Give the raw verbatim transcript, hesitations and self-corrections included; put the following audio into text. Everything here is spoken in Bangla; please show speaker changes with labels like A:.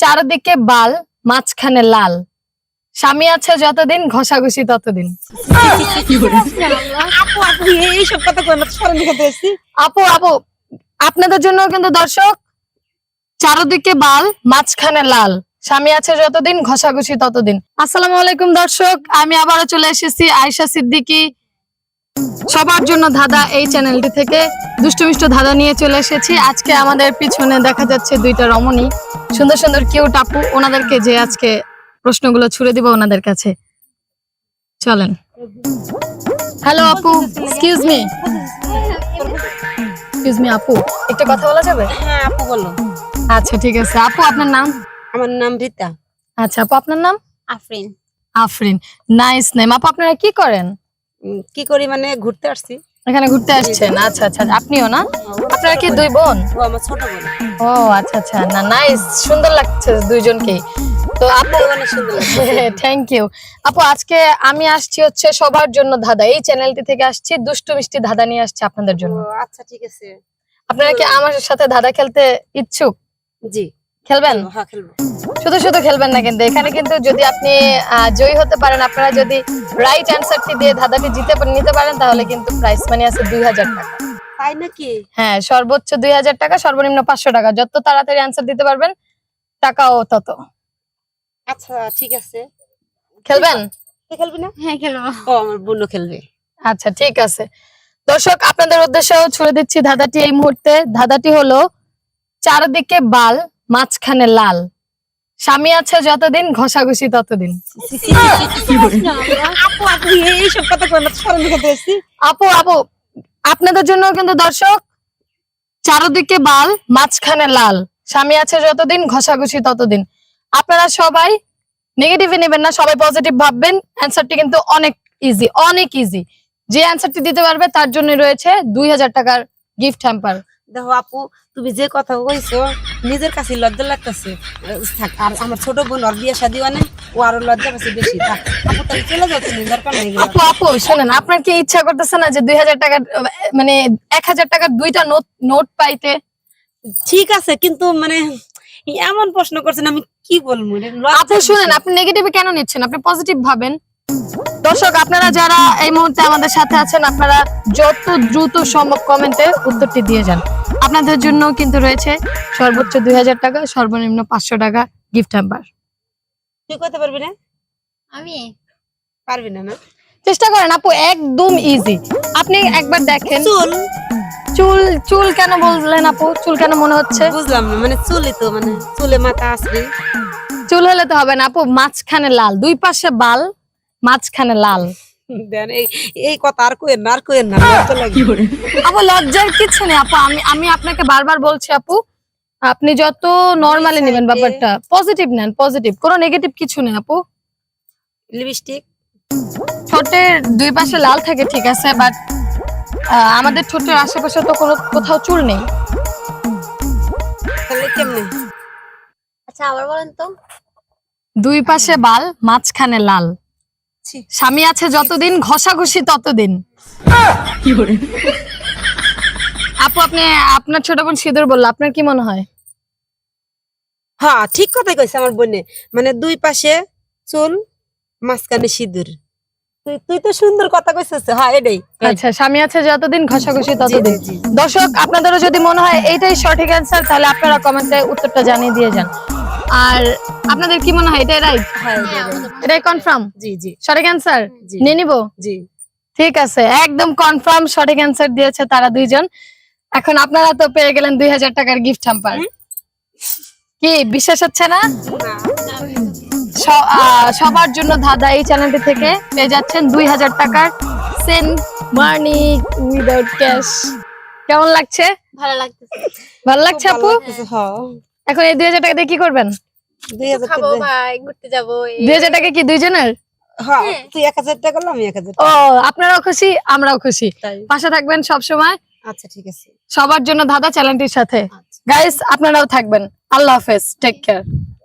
A: চারদিকে বাল মাঝখানে লাল, স্বামী আছে যতদিন ঘষাঘষি ততদিন।
B: আপু আপু এইসব কথা কই না, স্মরণ লিখাতে এসেছি।
A: আপু আপু আপনাদের জন্য কিন্তু দর্শক, চারদিকে বাল মাঝখানে লাল, স্বামী আছে যতদিন ঘষাঘষি ততদিন। আসসালামু আলাইকুম দর্শক, আমি আবারও চলে এসেছি আয়েশা সিদ্দিকী সবার জন্য ধাঁধা এই চ্যানেলটি থেকে দুষ্টু মিষ্টু ধাঁধা নিয়ে চলে এসেছি। আজকে আমাদের পিছনে দেখা যাচ্ছে দুইটা রমণী, সুন্দর সুন্দর কিউট আপু, ওনাদেরকে যে আজকে প্রশ্নগুলো ছুড়ে দিব ওনাদের কাছে। চলেন। হ্যালো আপু, এক্সকিউজ মি এক্সকিউজ মি আপু, একটু কথা বলা যাবে?
B: হ্যাঁ আপু বলো।
A: আচ্ছা ঠিক আছে আপু, আপনার নাম?
B: আমার নাম রীতা।
A: আচ্ছা আপু, আপনার নাম?
C: আফরিন।
A: Afrin, nice name. আপু আপনারা কি করেন?
B: উম, কি করি মানে ঘুরতে আসছি।
A: এখানে ঘুরতে আসছেন? আচ্ছা আচ্ছা, আপনিও না? আপনারা কি দুই বোন?
B: ও আমার ছোট বোন।
A: ও আচ্ছা আচ্ছা, না নাইস, সুন্দর লাগছে দুইজনকেই। তো আপু
B: অনেক সুন্দর লাগছে।
A: থ্যাংক ইউ আপু। আজকে আমি আসছি হচ্ছে সবার জন্য ধাঁধা, এই চ্যানেলটি থেকে আসছি, দুষ্টু মিষ্টি ধাঁধা নিয়ে আসছি আপনাদের জন্য।
B: ও আচ্ছা ঠিক আছে।
A: আপনারা কি আমার সাথে ধাঁধা খেলতে ইচ্ছুক?
B: জি
A: খেলবেন?
B: হ্যাঁ খেলবো।
A: শুধু শুধু খেলবেন না কিন্তু, এখানে কিন্তু যদি আপনি আহ, জয়ী হতে পারেন, আপনারা যদি রাইট অ্যান্সারটি দিয়ে ধাঁধাটি জিতে নিতে পারেন, তাহলে কিন্তু প্রাইস মানি আছে দুই হাজার টাকা।
B: তাই নাকি?
A: হ্যাঁ, সর্বোচ্চ দুই হাজার টাকা, সর্বনিম্ন পাঁচশো টাকা। যত তাড়াতাড়ি অ্যান্সার দিতে পারবেন টাকাও তত।
B: আচ্ছা ঠিক আছে।
A: খেলবেন?
B: তুই খেলবি না?
C: হ্যাঁ খেলবো।
B: ও আমার বোনও খেলবে।
A: আচ্ছা ঠিক আছে দর্শক, আপনাদের উদ্দেশ্যেও ছুড়ে দিচ্ছি ধাঁধাটি এই মুহূর্তে। ধাঁধাটি হলো, চারদিকে বাল মাঝখানে লাল, স্বামী আছে যতদিন ঘষাঘষি ততদিন।
B: আপু আপু এইসব কথা কই না, স্মরণ লিখাতে এসেছি।
A: আপু আপু আপনাদের জন্য কিন্তু দর্শক, চারদিকে বাল মাঝখানে লাল, স্বামী আছে যতদিন ঘষাঘষি ততদিন। আপনারা সবাই নেগেটিভে নেবেন না, সবাই পজিটিভ ভাববেন। অ্যান্সারটি কিন্তু অনেক ইজি, অনেক ইজি। যে অ্যান্সারটি দিতে পারবে তার জন্য রয়েছে দুই হাজার টাকার গিফট হ্যাম্পার।
B: দেখো আপু, তুমি যে কথা কইছো নিজের কাছে লজ্জা লাগতেছে। থাক, আর আমার ছোট বোন ওর বিয়ে শাদী মানে ও আরো লজ্জা পাচ্ছে বেশি। থাক আপু, তাহলে চলে যাও, তুমি দরকার নেই।
A: আপু আপু শোনেন, আপনার কি ইচ্ছা করতেছে না যে দুই হাজার টাকার মানে এক হাজার টাকার দুইটা নোট নোট পাইতে?
B: ঠিক আছে, কিন্তু মানে এমন প্রশ্ন করছেন আমি কি বলবো।
A: আপু শুনেন, আপনি নেগেটিভে কেন নিচ্ছেন? আপনি পজিটিভ ভাবেন। দর্শক আপনারা যারা এই মুহূর্তে আমাদের সাথে আছেন, আপনারা যত দ্রুত সম্ভব কমেন্টে উত্তরটি দিয়ে যান। আপনাদের জন্য কিন্তু রয়েছে সর্বোচ্চ দুই হাজার টাকা, সর্বনিম্ন পাঁচশো টাকা গিফট হ্যাম্পার।
B: তুই করতে পারবি না?
C: আমি
B: পারবি না না?
A: চেষ্টা করেন আপু, একদম ইজি। আপনি একবার দেখেন।
B: চুল
A: চুল চুল কেন বললেন আপু? চুল কেন মনে হচ্ছে?
B: বুঝলাম না, মানে চুলই তো, মানে চুলে মাথা আসবে।
A: চুল হলে তো হবে না আপু, মাঝখানে লাল, দুই পাশে বাল, মাঝখানে লাল।
B: দেন এই এই কথা আর কইেন না, আর কইেন না, লজ্জা লাগে।
A: আপু লজ্জার কিছু নেই আপু, আমি আমি আপনাকে বারবার বলছি আপু, আপনি যত নরমালি নেবেন ব্যাপারটা, পজিটিভ নেন, পজিটিভ, কোনো নেগেটিভ কিছু নেই আপু।
B: লিপস্টিক
A: ঠোঁটের দুই পাশে লাল থাকে ঠিক আছে, বাট আমাদের ঠোঁটের আশেপাশে তো কোনো কোথাও চুল নেই।
B: তাহলে কেমনে?
C: আচ্ছা আবার বলেন তো।
A: দুই পাশে বাল, মাঝখানে লাল,
B: ছি।
A: স্বামী আছে যতদিন ঘষাঘষি ততদিন। আপু আপনি আপনার ছোট বোন সিঁদুর বললো, আপনার কি মনে হয়?
B: হ্যাঁ ঠিক কথাই কইছে আমার বোনে, মানে দুই পাশে চুল, মাঝখানে সিঁদুর। তুই তুই তো সুন্দর কথা কইছিস। হ্যাঁ এটাই।
A: আচ্ছা, স্বামী আছে যতদিন ঘষাঘষি
B: জি,
A: ততদিন।
B: জি, জি।
A: দর্শক আপনাদেরও যদি মনে হয় এইটাই সঠিক অ্যান্সার, তাহলে আপনারা কমেন্টে উত্তরটা জানিয়ে দিয়ে যান। আর আপনাদের কি মনে হয় এটাই রাইট?
B: হ্যাঁ
C: হ্যাঁ,
B: এটাই।
A: এটাই কনফার্ম
B: জি জি
A: সঠিক অ্যান্সার?
B: জি
A: নিয়ে নিবো?
B: জি।
A: ঠিক আছে, একদম কনফার্ম সঠিক অ্যান্সার দিয়েছে তারা দুইজন। এখন আপনারা তো পেয়ে গেলেন দুই হাজার টাকার গিফট হ্যাম্পার। কি বিশ্বাস হচ্ছে না? স- আহ, সবার জন্য ধাঁধা এই চ্যানেলটি থেকে পেয়ে যাচ্ছেন দুই হাজার টাকার সেন্ড মানি উইদাউট ক্যাশ। কেমন লাগছে?
C: ভালো লাগতেছে।
A: ভালো লাগছে আপু?
B: হ্যাঁ
A: এখন এই দুই হাজার টাকা দিয়ে কি করবেন?
B: দুই হাজার
C: খাবো
B: টাকা।
C: ভাই, ঘুরতে যাবো। এই-
A: দুই হাজার টাকা কি দুইজনের?
B: হ্যাঁ তুই এক হাজার টাকা করলাম, আমি এক হাজার
A: ও,
B: টাকা।
A: আপনারাও খুশি, আমরাও খুশি।
B: তাই
A: পাশে থাকবেন সব সময়
B: আচ্ছা ঠিক আছে।
A: সবার জন্য ধাঁধা চ্যানেলটির সাথে।
B: আচ্ছা।
A: গাইস আপনারাও থাকবেন। আল্লাহ হাফেজ, টেক কেয়ার।